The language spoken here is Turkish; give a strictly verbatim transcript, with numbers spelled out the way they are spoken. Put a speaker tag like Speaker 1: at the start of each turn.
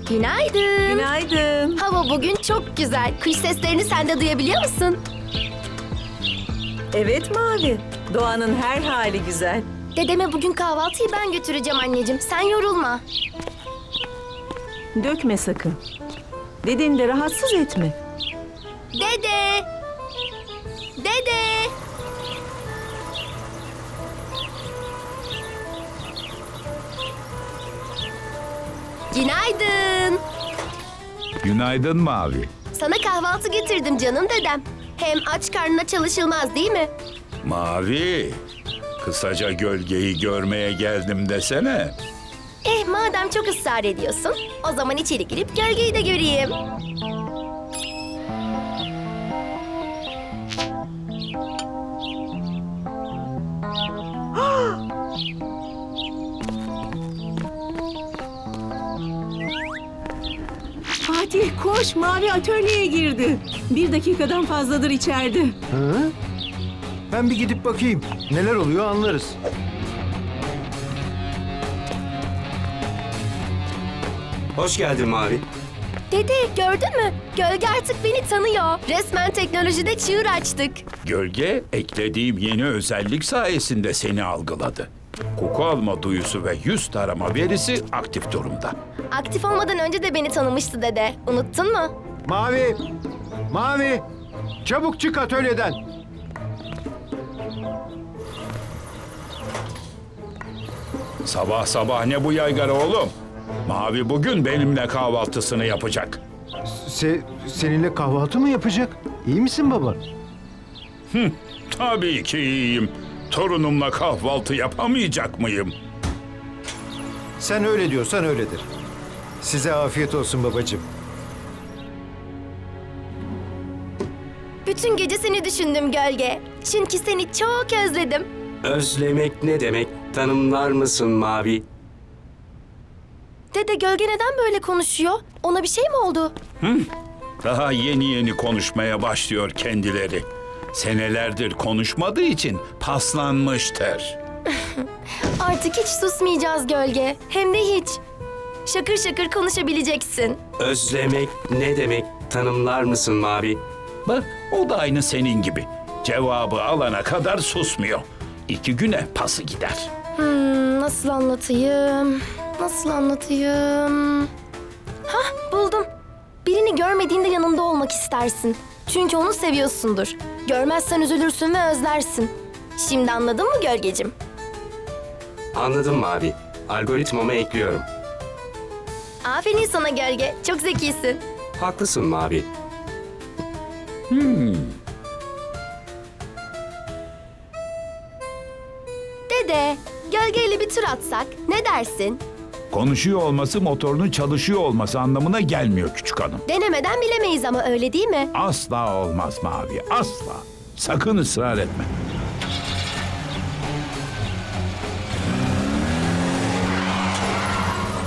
Speaker 1: Günaydın.
Speaker 2: Günaydın.
Speaker 1: Hava bugün çok güzel. Kuş seslerini sen de duyabiliyor musun?
Speaker 2: Evet Mavi. Doğanın her hali güzel.
Speaker 1: Dedeme bugün kahvaltıyı ben götüreceğim anneciğim. Sen yorulma.
Speaker 2: Dökme sakın. Dedeni de rahatsız etme.
Speaker 1: Dede! Dede! Günaydın.
Speaker 3: Günaydın Mavi.
Speaker 1: Sana kahvaltı getirdim canım dedem. Hem aç karnına çalışılmaz değil mi?
Speaker 3: Mavi, kısaca gölgeyi görmeye geldim desene.
Speaker 1: Eh madem çok ısrar ediyorsun, o zaman içeri girip gölgeyi de göreyim.
Speaker 2: Fatih koş, Mavi atölyeye girdi. Bir dakikadan fazladır içeride.
Speaker 4: Hı? Ben bir gidip bakayım. Neler oluyor anlarız.
Speaker 5: Hoş geldin Mavi.
Speaker 1: Dede gördün mü? Gölge artık beni tanıyor. Resmen teknolojide çığır açtık.
Speaker 3: Gölge, eklediğim yeni özellik sayesinde seni algıladı. Koku alma duyusu ve yüz tarama verisi aktif durumda.
Speaker 1: Aktif olmadan önce de beni tanımıştı dede. Unuttun mu?
Speaker 4: Mavi! Mavi! Çabuk çık atölyeden.
Speaker 3: Sabah sabah ne bu yaygara oğlum? Mavi bugün benimle kahvaltısını yapacak.
Speaker 4: Se seninle kahvaltı mı yapacak? İyi misin baba?
Speaker 3: Tabii ki iyiyim. Torunumla kahvaltı yapamayacak mıyım?
Speaker 4: Sen öyle diyorsan öyledir. Size afiyet olsun babacığım.
Speaker 1: Bütün gece seni düşündüm gölge. Çünkü seni çok özledim.
Speaker 5: Özlemek ne demek? Tanımlar mısın Mavi?
Speaker 1: Dede gölge neden böyle konuşuyor? Ona bir şey mi oldu?
Speaker 3: Daha yeni yeni konuşmaya başlıyor kendileri. Senelerdir konuşmadığı için paslanmıştır.
Speaker 1: Artık hiç susmayacağız gölge. Hem de hiç. Şakır şakır konuşabileceksin.
Speaker 5: Özlemek ne demek? Tanımlar mısın Mavi?
Speaker 3: Bak o da aynı senin gibi. Cevabı alana kadar susmuyor. İki güne pası gider.
Speaker 1: Hmm, nasıl anlatayım? Nasıl anlatayım? Hah buldum. Birini görmediğinde yanında olmak istersin. Çünkü onu seviyorsundur. Görmezsen üzülürsün ve özlersin. Şimdi anladın mı gölgecim?
Speaker 5: Anladım Mavi. Algoritmama ekliyorum.
Speaker 1: Aferin sana gölge. Çok zekisin.
Speaker 5: Haklısın Mavi.
Speaker 1: Dede, gölgeyle bir tur atsak ne dersin?
Speaker 3: Konuşuyor olması motorunun çalışıyor olması anlamına gelmiyor küçük hanım.
Speaker 1: Denemeden bilemeyiz ama öyle değil mi?
Speaker 3: Asla olmaz Mavi, asla. Sakın ısrar etme.